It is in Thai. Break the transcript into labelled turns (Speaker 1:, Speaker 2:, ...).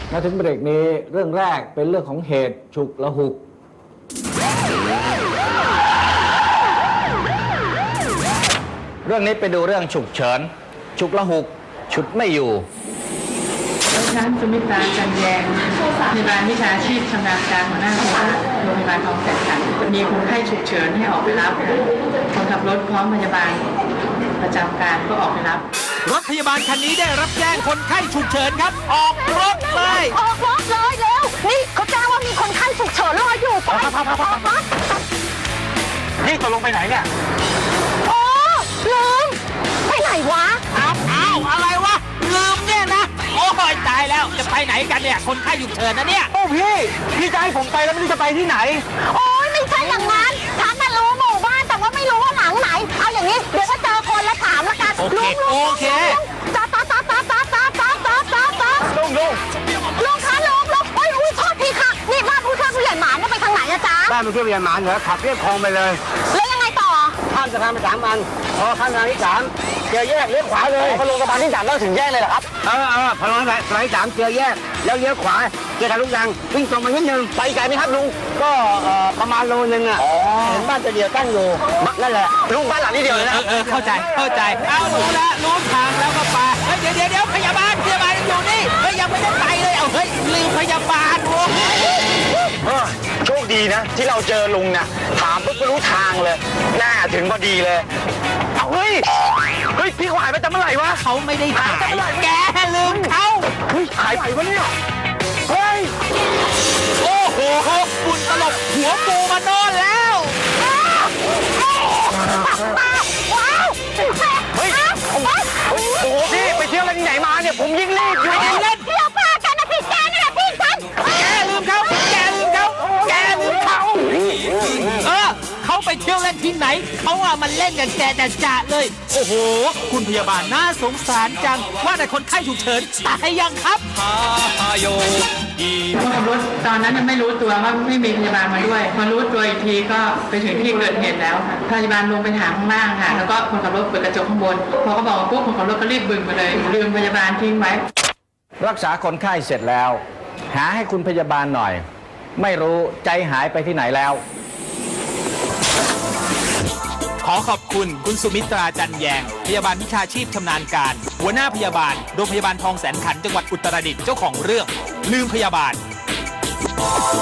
Speaker 1: มาถึงเบรกนี้เรื่องแรกเป็นเรื่องของเหตุฉุกละหุกเรื่องนี้ไปดูเรื่องฉุกเฉินฉุกละหุกฉุดไม่อยู่
Speaker 2: ฉันสุมิตราจันแยงพยาบาลวิชาชีพชำนาญการหัวหน้าคณะโรงพยาบาลคลองแสนขันธ์มีคนไข้ฉุกเฉินให้ออกไปรับคนขับรถพร้อมพยาบาลประจำการก็ออกไปรับ
Speaker 3: รถพยาบาลคันนี้ได้รับแจ้งคนไข้ฉุกเฉินครับออกรถเลย
Speaker 4: ออกรถเลยเร็วนี่เขาแจ้งว่ามีคนไข้ฉุกเฉินรออยู่ไปออกรถ
Speaker 3: นี่ตกลงไปไหนเนี่ย
Speaker 4: โอ้ลืมไปไหนวะ
Speaker 3: อ้าวอะไรวะลืมเนี่ยนะโอ้ยตายแล้วจะไปไหนกันเนี่ยคนไข้ฉุกเฉินนะเนี่ยโอ้พี่จะให้ผมไปแล้วไม่รู้จะไปที่ไหน
Speaker 4: โอ้ยไม่ใช่อย่างนั้นฉันน่ะรู้หมู่บ้านแต่ว่าไม่รู้ว่าหลังไหนเอาอย่างนี้เดี๋ยวถ้าเจอคนแล้วถามละกัน
Speaker 3: โอเค
Speaker 4: จ้าลุงคะลุงโอ้ยโทษทีค่ะนี่บ้านผู้ช่วยผู้ใหญ่หมานไปทางไหนอะจ๊ะ
Speaker 5: บ้านผู้ช่วยผู้ใหญ่หมานเหรอขับเรียบคลองไปเลย
Speaker 4: แล้วยังไงต่อ
Speaker 5: ข้ามสะพานไป3 อันพอข้ามสะพานที่3เจอแยกเลี้ยวขวาเลยพอลงสะพานที่3แล้วถึงแยกเลยเหรอครับพอลงสะพานที่3เจอแยกแล้วเลี้ยวขวาเจอทางลูกดังวิ่งตรงมานิดนึงไปไกลไหมครับลุงก็ประมาณโลนึงอ่ะเห็นบ้านจะเดียวตั้งอยู่นั่นแหละลุงบ้านหลังนี้เดียวเลยนะ
Speaker 3: เข้าใจเอารู้ทางแล้วก็ไปเดี๋ยวพยาบาลอยู่นี่ยังไม่ได้ไปเลยเอาลืมพยาบาล
Speaker 5: โชคดีนะที่เราเจอลุงนะถามปุ๊บก็รู้ทางเลยหน้าถึงพอดีเลยเฮ้ยพี่เขาหายไปตั้งเมื่อไหร่วะ
Speaker 3: เขาไม่ได้หายแกลืมเขา
Speaker 5: หายไปวะเนี่ย
Speaker 3: โอ้โหฝุ่นตลบหัวปูมานอนแล้ว
Speaker 5: โอ้โหพี่ไปเที่ยวอะไรที่ไหนมาเนี่ยผมยิ่งรีบอยู่
Speaker 3: เล่น
Speaker 4: เที่ยวป้ากันนะพี่แกนี่แหละพี่ฉัน
Speaker 3: แกลืมเขาเขาไปเที่ยวเล่นที่ไหนเขามันเล่นกับแกจะเลยโอ้โหคุณพยาบาลน่าสงสารจังว่าแต่คนไข้ฉุกเฉินตายยังครับ
Speaker 2: คนขับรถตอนนั้นยังไม่รู้ตัวว่าไม่มีพยาบาลมาด้วยมารู้ตัวอีกทีก็ไปถึงที่เกิดเหตุแล้วค่ะพยาบาลลงไปถามข้างล่างค่ะแล้วก็คนขับรถเปิดกระจกข้างบนพอเขาบอกปุ๊บคนขับรถก็รีบบึงไปเลยลืมพยาบาลทิ้งไว้
Speaker 1: รักษาคนไข้เสร็จแล้วหาให้คุณพยาบาลหน่อยไม่รู้ใจหายไปที่ไหนแล้ว
Speaker 3: ขอขอบคุณคุณสุมิตราจันแยงพยาบาลวิชาชีพชำนาญการหัวหน้าพยาบาลโรงพยาบาลคลองแสนขันธ์จังหวัดอุตรดิตถ์เจ้าของเรื่องลืมพยาบาล